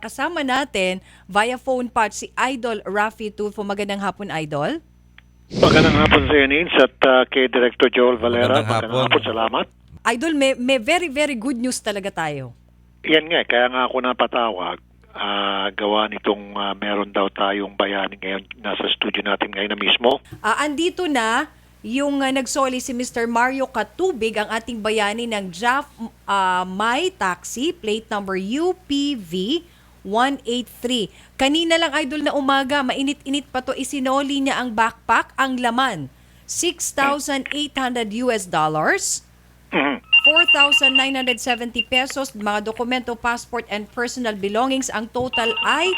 Kasama natin via phone patch si Idol Raffy Tulfo. Magandang hapon, Idol. Magandang hapon sa iyo, Nins, at kay Director Joel Valera. Magandang hapon. Salamat. Idol, may very, very good news talaga tayo. Yan nga, kaya nga ako napatawag. Gawa nitong meron daw tayong bayani ngayon. Nasa studio natin ngayon na mismo. Andito na yung nagsoli si Mr. Mario Katubig, ang ating bayani ng JAF My Taxi, plate number UPV 183. Kanina lang, Idol, na umaga, mainit-init pa to, isinoli niya ang backpack, ang laman, $6,800 US, Mhm. 4,970 pesos, mga dokumento, passport, and personal belongings. Ang total ay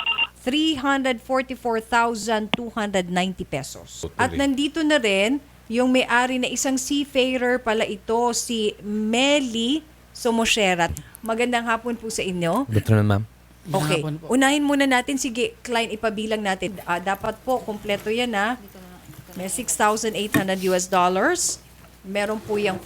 344,290 pesos. At nandito na rin yung may-ari na isang seafarer pala ito, si Meli Somosherat. Magandang hapon po sa inyo. Good afternoon, ma'am. Okay, unahin muna natin. Sige, client, ipabilang natin. Dapat po, kompleto yan ha. May $6,800 US. Meron po yung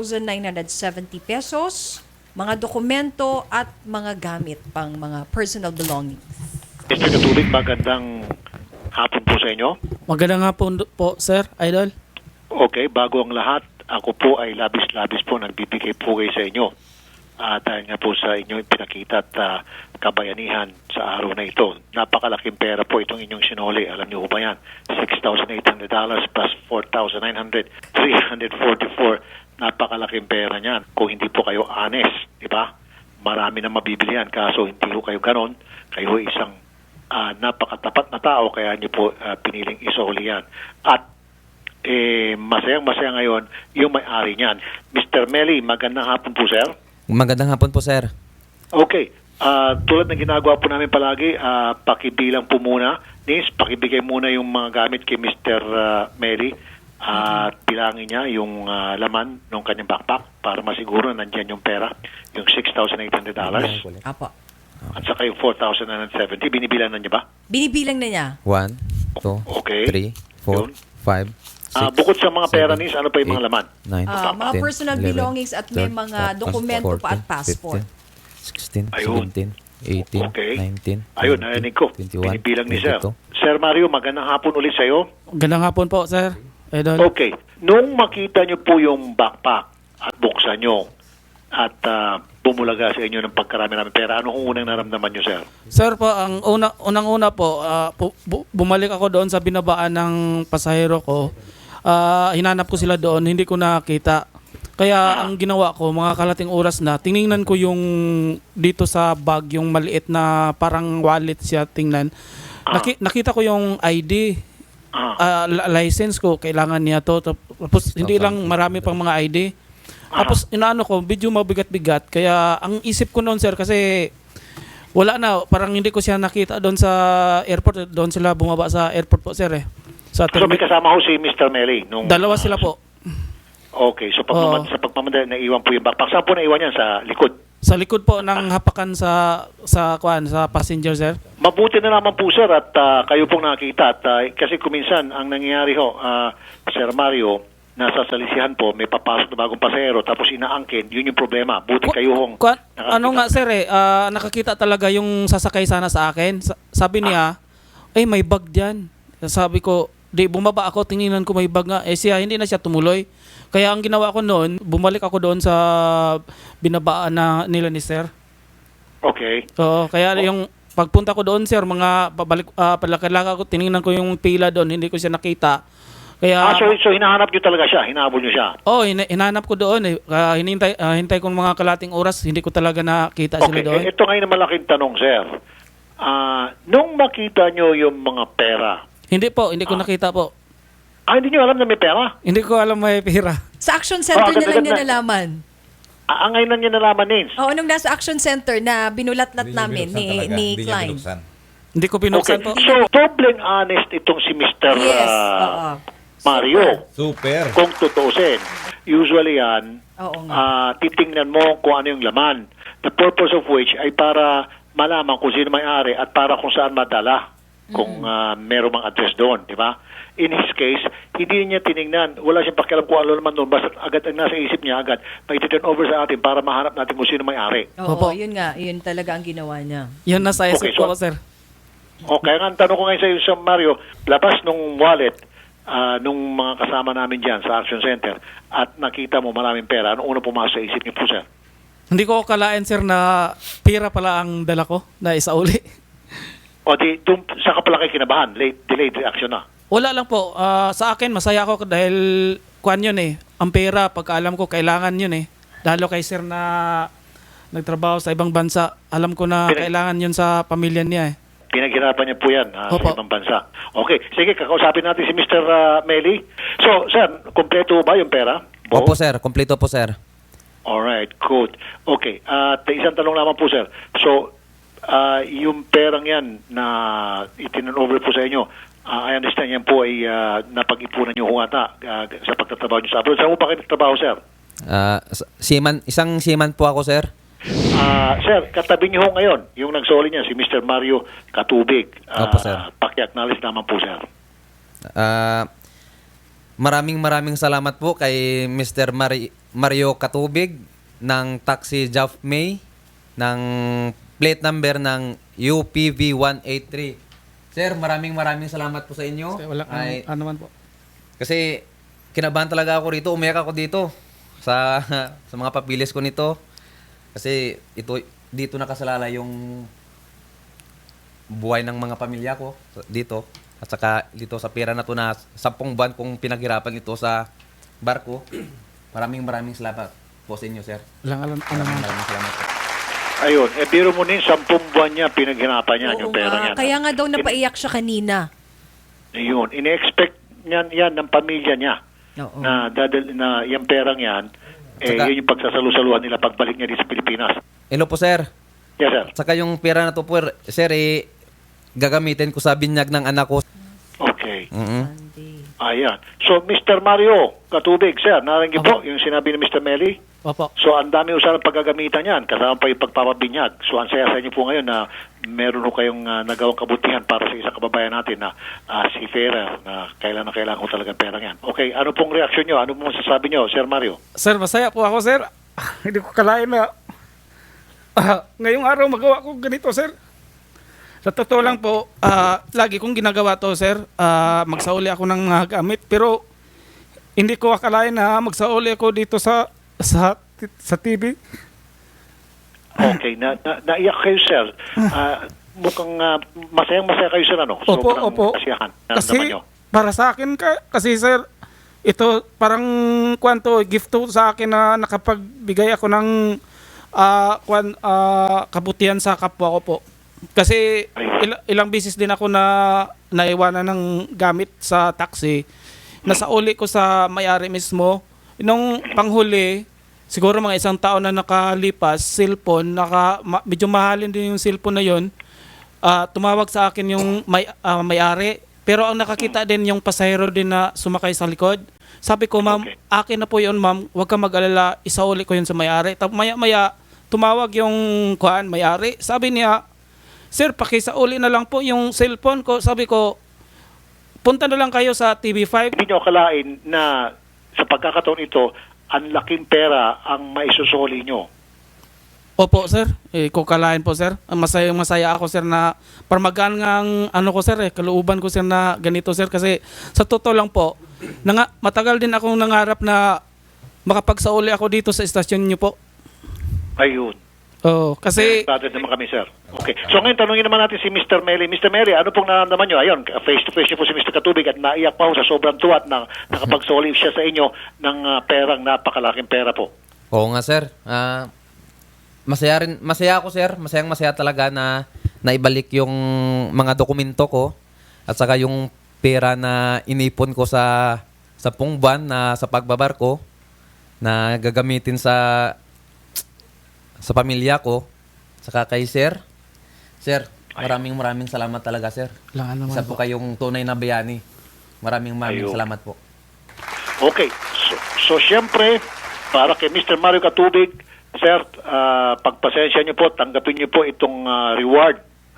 4,970 pesos, mga dokumento at mga gamit pang mga personal belongings. Mr. Katubig, magandang hapon po sa inyo. Magandang hapon po, Sir Idol. Okay, bago ang lahat, ako po ay labis-labis po nagbibigay pugay sa inyo. Dahil nga po sa inyong pinakita at kabayanihan sa araw na ito. Napakalaking pera po itong inyong sinuli. Alam niyo ba yan? $6,800 plus 4,900, 344. Napakalaking pera niyan. Kung hindi po kayo honest, di ba? Marami na mabibili yan. Kaso hindi po kayo ganon. Kayo isang napakatapat na tao, kaya niyo po piniling isoli yan. At masayang-masaya ngayon yung may-ari niyan. Mr. Meli, magandang hapon po, sir. Magandang hapon po, sir. Okay. Tulad ng ginagawa po namin palagi, pakibilang po muna. Nis, pakibigay muna yung mga gamit kay Mr. Meli at bilangin niya yung laman ng kanyang backpack para masiguro nandiyan yung pera, yung $6,800 Apo. at saka yung 4,970. Binibilang na niya ba? Binibilang na niya. 1, 2, Okay. 3, 4, 5, 6, Bukod sa mga pera, Nis, ano pa yung mga laman? 9, Mga personal belongings at may mga dokumento pa at passport. 16, Ayun. 17, 18, Okay. 19, Ayun, 20, narinig ko. 21, Binibilang ni Sir. 22. Sir Mario, magandang hapon ulit sa'yo. Magandang hapon po, Sir Idol. Okay. Nung makita nyo po yung backpack at buksan nyo at bumulaga sa inyo ng pagkarami namin pera, ano kung unang naramdaman nyo, sir? Sir po, ang unang-una po, bumalik ako doon sa binabaan ng pasahero ko. Hinanap ko sila doon, hindi ko nakita. Kaya ang ginawa ko, mga kalating oras na, tiningnan ko yung dito sa bag, yung maliit na parang wallet siya tingnan. Nakita ko yung ID, license ko, kailangan niya to. Tapos hindi lang, marami pang mga ID. Tapos inaano ko, medyo mabigat-bigat. Kaya ang isip ko noon, sir, kasi wala na, parang hindi ko siya nakita doon sa airport. Doon sila bumaba sa airport po, sir eh. So may kasama ho si Mr. Meli? Dalawa sila po. Okay, so sa pagmamadali, naiwan po yung backpack. Saan po naiwan yan? Sa likod? Sa likod po ng hapakan sa passenger, sir. Mabuti na naman po, sir, at kayo pong nakita. At, kasi kuminsan, ang nangyayari ho, Sir Mario, nasa salisihan po, may papasok na bagong pasahero, tapos inaangkin, yun yung problema. Buti kayo hong Ano nga, sir eh, nakakita talaga yung sasakay sana sa akin. Sabi niya, may bag dyan. Sabi ko, bumaba ako, tinignan ko may bag nga. Siya, hindi na siya tumuloy. Kaya ang ginawa ko noon, bumalik ako doon sa binabaan na nila ni sir. Okay. So, kaya yung pagpunta ko doon, sir, mga palakad-lakad ko, tinignan ko yung pila doon, hindi ko siya nakita. Kaya, so hinahanap nyo talaga siya? Hinahabol nyo siya? hinanap ko doon. Hintay ko ng mga kalating oras, hindi ko talaga nakita sila doon. Okay, ito ngayon na malaking tanong, sir. Nung makita nyo yung mga pera, Hindi ko nakita po. hindi nyo alam na may pera? Hindi ko alam may pera. Sa Action Center na lang niya nalaman. Ngayon lang niya nalaman, Nins. Oo, nung nasa Action Center na binulat-lat namin ni Klein. Hindi ko binuksan po. So, dobleng honest itong si Mr. Yes, oo. Mario. Super. Kung tutuusin. Usually yan, Oo nga. titingnan mo kung ano yung laman. The purpose of which ay para malaman kung sino may-ari at para kung saan madala. kung meron mang address doon, di ba? In his case, hindi niya tiningnan. Wala siyang pakialam kung ano naman doon. Basta agad ang nasa isip niya, agad may turn over sa atin para mahanap natin kung sino may-ari. Oo, Opo. yun nga. Yun talaga ang ginawa niya. Yan nasa isip Okay, ko, so- sir. O kaya nga ang tanong ko ngayon sa iyo, Sir Mario, labas nung wallet nung mga kasama namin dyan sa Action Center at nakita mo maraming pera, ano una pumasok sa isip niyo po, sir? Hindi ko kalain, sir, na pira pala ang dala ko na isauli. O di, doon, saan ka pala kayo kinabahan? Delayed reaction na. Wala lang po. Sa akin, masaya ako dahil kuan yun eh. Ang pera, pagkaalam ko, kailangan yun eh. Lalo kay sir na nagtrabaho sa ibang bansa. Alam ko na kailangan yun sa pamilya niya eh. Pinaghirapan niya po yan sa Opo. ibang bansa. Okay, sige, kakausapin natin si Mr. Meli. So, sir, kompleto ba yung pera? Bo? Opo sir, kompleto po sir. Alright, good. Okay, at isang tanong naman po, sir. So, yung perang yan na itin-over po sa inyo, I understand yan po ay napag-ipunan nyo ata sa pagtatrabaho nyo sa abroad. Saan mo pa kayo nagtrabaho, sir? Isang seaman po ako sir. Sir, katabi niyo ho ngayon, yung nagsoli niya, si Mr. Mario Katubig. Opo, sir. Paki-acknowledge naman po, sir. Maraming salamat po kay Mr. Mario Katubig ng Taxi Jeff May ng plate number ng UPV 183. Sir, maraming salamat po sa inyo. Wala ano man po. Kasi kinabahan talaga ako rito, umiyak ako dito sa mga papilis ko nito. Kasi dito nakasalala yung buhay ng mga pamilya ko dito. At saka dito sa pera na to na 10 buwan kong pinaghirapan ito sa barko. Maraming salamat po sa inyo, sir. Walang Maraming salamat po. Ayun, biro mo din, 10 buwan niya pinaghirapan niya yung Oo pera nga. niya. Kaya nga daw napaiyak siya kanina. Ayun, ine-expect niyan yan ng pamilya niya Oo. na yung perang yan, Saka- yun yung pagsasalusaluhan nila pagbalik niya dito sa Pilipinas. Hello po, sir. Yes, sir. Saka yung pera na to po, sir, gagamitin ko sa binyag ng anak ko. Okay. Sunday. Ayan. So, Mr. Mario Katubig, sir, narinig po yung sinabi ni Mr. Meli? Opo. So, ang dami usapan paggagamitan yan, kasama pa yung pagpapabinyag. So, ang saya sa inyo po ngayon na meron ho kayong nagawang kabutihan para sa isang kababayan natin na si Ferrer, na kailangan ko talagang perang yan. Okay, ano pong reaksyon nyo? Ano pong sasabi nyo, Sir Mario? Sir, masaya po ako, sir. Hindi ko kalain na ngayong araw magawa ko ganito, sir. Sa totoo lang po, lagi kong ginagawa to, sir. Magsauli ako ng mga gamit. Pero hindi ko akalain na magsauli ako dito sa TV. Okay, naiyak kayo, sir. Mukhang masayang-masaya kayo, sir, ano? Opo. Kasiyahan. Kasi para sa akin, kasi sir, ito parang gift to sa akin na nakapagbigay ako ng kabutihan sa kapwa ko po. Kasi ilang beses din ako na naiwanan ng gamit sa taxi. Nasauli ko sa may-ari mismo. Nung panghuli, siguro mga 1 taon na nakalipas, cellphone, medyo mahalin din yung cellphone na yon. Tumawag sa akin yung may-ari. Pero ang nakakita din yung pasahero din na sumakay sa likod. Sabi ko, ma'am, akin na po yun, ma'am. Huwag ka mag-alala, isauli ko yun sa may-ari. Tapos maya-maya, tumawag yung may-ari. Sabi niya, sir, pakisauli na lang po yung cellphone ko. Sabi ko, punta na lang kayo sa TV5. Hindi nyo akalain na sa pagkakataon ito, ang laking pera ang maisusuli nyo. Opo, sir. Kukalain po, sir. Masaya ako, sir, na parmagaan ng sir, kalooban ko, sir, na ganito, sir. Kasi sa totoo lang po, matagal din akong nangarap na makapagsauli ako dito sa estasyon nyo po. Ayun. Oh, kasi Excited naman kami, sir. Okay. So ngayon, tanungin naman natin si Mr. Meli. Mr. Meli, ano pong nararamdaman nyo? Ayun, face-to-face niyo po si Mr. Katubig at naiyak pa ho sa sobrang tuwat na nakapagsoli siya sa inyo ng perang napakalaking pera po. Oo nga, sir. Masaya ako, sir. Masaya talaga na naibalik yung mga dokumento ko at saka yung pera na inipon ko sa pungban na sa pagbabarko na gagamitin sa pamilya ko, saka kay sir. Sir, maraming salamat talaga, sir. Isa po kayong tunay na bayani. Maraming salamat po. Okay. So siyempre, para kay Mr. Mario Katubig, sir, pagpasensya niyo po, tanggapin niyo po itong reward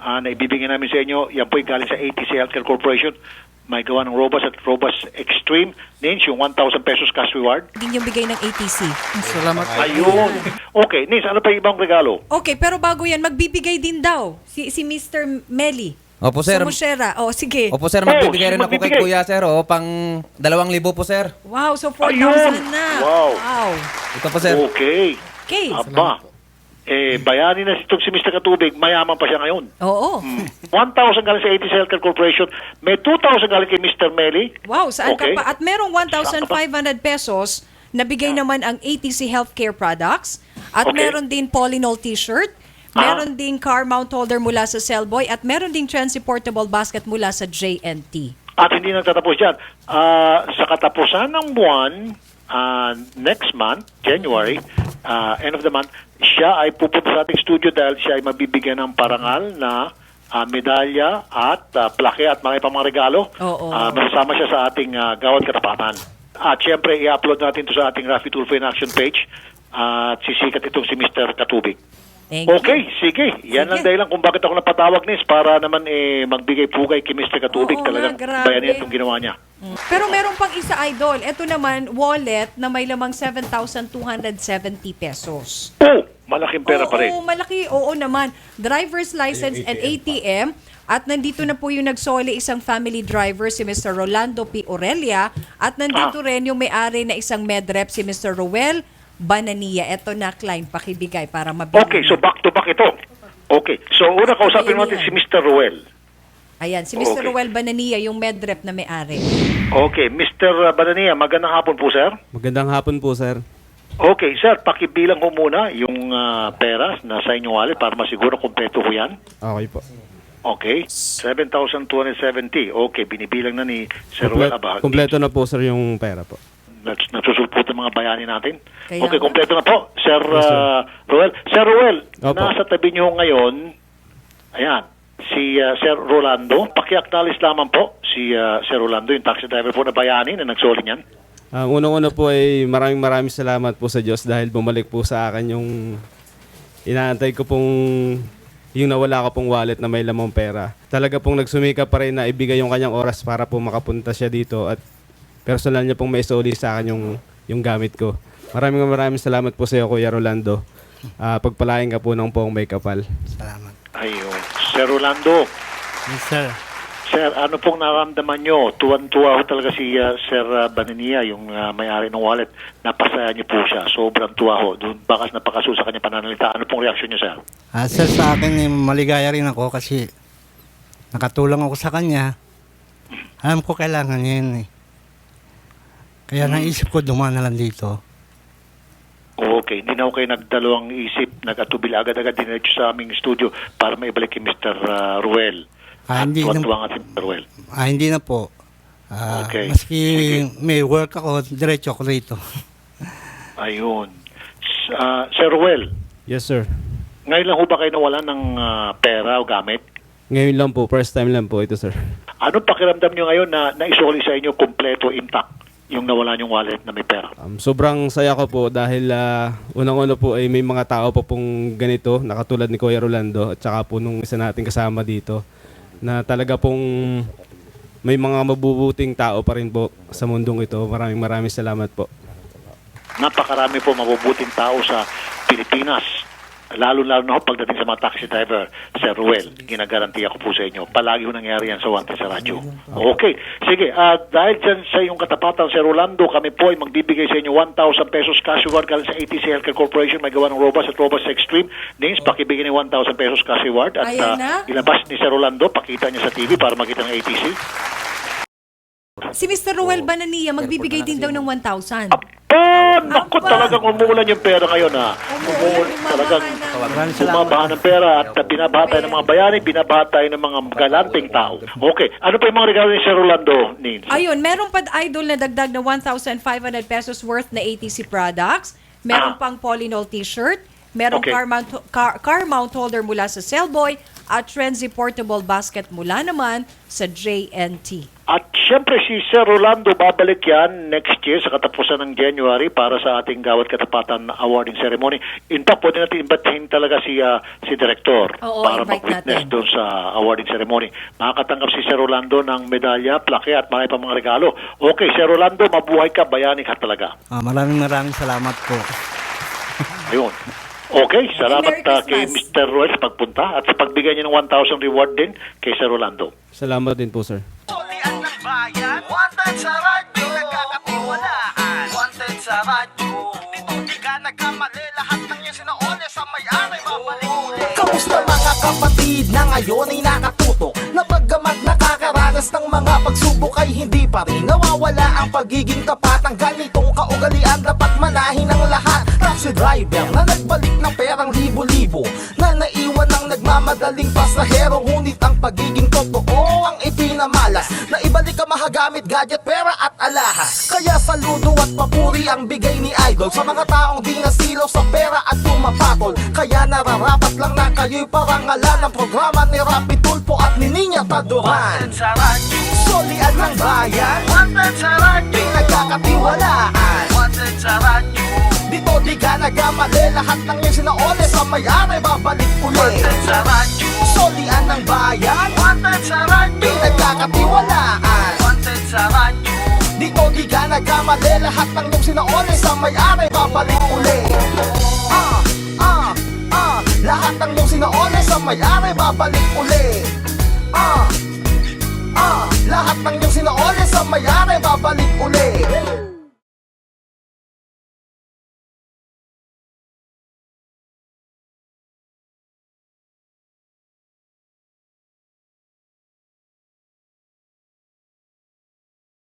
na ibibigay namin sa inyo. Yan po galing sa ATC Healthcare Corporation. May gawa ng Robust at Robust Extreme. Nins, yung 1,000 pesos cash reward. Hindi yung bigay ng ATC. Salamat po. Ayun. Okay, Nins, ano pa yung ibang regalo? Okay, pero bago yan, magbibigay din daw si Mr. Meli. Opo, sir. Sumushera. Oh, sige. Opo, sir, magbibigay rin sino ako kay magbibigay? Kuya, sir. Pang 2,000 po, sir. Wow, so 4,000 Ayun. na. Wow. Ito po, sir. Okay. Okay. Aba. Bayani na si Mr. Katubig, mayaman pa siya ngayon. Oo. 1,000 galing sa ATC Healthcare Corporation. May 2,000 galing kay Mr. Meli. Wow, saan Okay. ka pa? At merong 1,500 pesos na bigay naman ang ATC Healthcare Products. At Okay. meron din Polynol t-shirt. Meron din car mount holder mula sa Cellboy. At meron din transportable basket mula sa JNT. At hindi nagtatapos dyan. Sa katapusan ng buwan, next month, January, end of the month, siya ay pupunta sa ating studio dahil siya ay mabibigyan ng parangal na medalya at plaque at mga pang mga regalo. Oo. Masasama siya sa ating Gawad Katapatan. At syempre, i-upload natin to sa ating Rafi Tulfo in Action page at sisikat itong si Mr. Katubig. Thank you. Okay, sige. Yan ang dahilan kung bakit ako napatawag, Nis, para naman magbigay pugay kay Mr. Katubig. Oo Talagang nga, grabe. bayanin itong ginawa niya. Pero meron pang isa, Idol. Ito naman, wallet na may lamang 7,270 pesos. Oh, malaking pera pa rin. Oo, malaki. Oo naman. Driver's license and ATM. At nandito na po yung nagsoli isang family driver, si Mr. Rolando P. Aurelia. At nandito rin yung may-ari na isang medrep, si Mr. Ruel Banania. Ito na, Klein, pakibigay para mabili. Okay, so back to back ito. Okay, so una kausapin natin si Mr. Ruel. Ayan, si Mr. Okay. Ruel Banania, yung medrep na may-ari. Okay, Mr. Banania, magandang hapon po, sir. Magandang hapon po, sir. Okay, sir, pakibilang ko muna yung pera na sa inyong wallet para masiguro kumpleto ko yan. Okay po. Okay, 7,270. Okay, binibilang na ni Sir Ruel Abag. Kompleto na po, sir, yung pera po. Nasusulpot ang mga bayani natin. Kaya Okay, nga. kumpleto na po. Sir Ruel. Sir Ruel, Opo. nasa tabi niyo ngayon, ayan, si Sir Rolando. Paki-acknowledge lamang po si Sir Rolando, yung taxi driver po na bayani na nagsoli niyan. Unang-una po ay maraming salamat po sa Diyos dahil bumalik po sa akin yung inaantay ko pong yung nawala ko pong wallet na may lamang pera. Talaga pong nagsumika pa rin na ibigay yung kanyang oras para po makapunta siya dito at personal niya pong may isoli sa akin yung gamit ko. Maraming salamat po sa iyo, Kuya Rolando. Pagpalain ka po ng poong may kapal. Salamat. Ayun. Sir Rolando, Yes, sir. Sir, ano pong naramdaman nyo? Tuwan-tuwa ho talaga si Sir Banania, yung may-ari ng wallet. Napasaya niyo po siya. Sobrang tuwa ho. Doon bakas napakaso sa kanya pananalita. Ano pong reaksyon niyo, sir? Sir, sa akin, maligaya rin ako kasi nakatulong ako sa kanya. Alam ko kailangan niya yun eh. Kaya naisip ko dumaan na lang dito. Okay, hindi na ako kayo nagdalawang isip, nag-atubil agad-agad dinerecho sa aming studio para maibalik kay Mr. Ruel. Hindi na, Tuwan-tuwa nga si Mr. Ruel. hindi na po. Okay. Maski may work ako, diretso ako rito. Ayun. Sir Ruel, Yes, sir. ngayon lang ho ba kayo nawala ng pera o gamit? Ngayon lang po, first time lang po ito, sir. Anong pakiramdam nyo ngayon na naisoli sa inyo kompleto intact yung nawala yung wallet na may pera? Sobrang saya ko po dahil unang-una po ay may mga tao po pong ganito, nakatulad ni Kuya Rolando at saka po nung isa nating kasama dito na talaga pong may mga mabubuting tao pa rin po sa mundong ito. Maraming salamat po. Napakarami po mabubuting tao sa Pilipinas. Lalo-lalo na ho pagdating sa mga taxi driver, Sir Ruel, ginagarantiya ko po sa inyo. Palagi ho nangyari yan sa Wanted sa radyo. Okay. Sige, dahil dyan sa iyong katapatan, Sir Rolando, kami po ay magbibigay sa inyo 1,000 pesos cash reward galing sa ATC Healthcare Corporation. May gawa ng Robust at Robust Extreme. Names, pakibigay ni 1,000 pesos cash reward. At Ayan na. ilabas ni Sir Rolando, pakita niya sa TV para makita ng ATC. Si Mr. Ruel Banania, magbibigay din daw ng 1,000. Naku, talagang umuulan yung pera ngayon, ha. Talagang Maraming salamat. bumabaha ng pera at binabaha tayo ng mga bayani, binabaha tayo ng mga galanteng tao. Okay, ano pa yung mga regalo ni Sir Rolando, Nins? Ayun, meron pa, Idol, na dagdag na 1,500 pesos worth na ATC products. Meron pang Polynol t-shirt. Merong Okay. car mount holder mula sa Cellboy at Trenzy portable basket mula naman sa JNT. At Siyempre si Sir Rolando babalik yan next year sa katapusan ng January para sa ating Gawad Katapatan Awarding Ceremony. In fact, pwede natin imbitahin talaga si Director Oo, para invite mag-witness natin. doon sa awarding ceremony. Makakatanggap si Sir Rolando ng medalya, plaque at mga mga regalo. Okay, Sir Rolando, mabuhay ka, bayani ka talaga. Maraming salamat po. Ayun. Okay, salamat Merry kay Christmas. Mr. Roy sa pagpunta at sa pagbigay niya ng 1,000 reward din kay Sir Rolando. Salamat din po, sir. Tulian ng bayan, wanted sa radyo, nagkakatiwalaan, wanted sa radyo. Dito di ka nagkamali, lahat ng iyong sinaole sa may-ari, babalik ulit. Kamusta mga kapatid na ngayon ay nakatutok, na bagamat nakakaranas ng mga pagsubok ay hindi pa rin nawawala ang pagiging tapat ng ganitong kaugalian. Dapat manahin ang lahat. Taxi driver na nagbalik ng perang libo-libo, na naiwan ng nagmamadaling pasahero, ngunit ang pagiging totoo ang ipinamalas, na ibalik ang mahagamit, gadget, pera at alahas. Kaya saludo at papuri ang bigay ni Idol sa mga taong di nasilaw sa pera at tumapatol. Kaya nararapat lang na kayo'y parangalan ng programa ni Rapi Tulfo at ni Niña Taduran. Solian ng bayan, wanted sa radyo, pinagkakatiwalaan, wanted sa radyo. Dito di ka nagkamali, lahat ng iyong sinaole sa may-ari, babalik ulit. Wanted sa radyo, solian ng bayan, wanted sa radyo, pinagkakatiwalaan, wanted sa radyo. Dito di ka nagkamali, lahat ng iyong sinaole sa may-ari, babalik ulit. Lahat ng iyong sinaole sa may-ari, babalik ulit.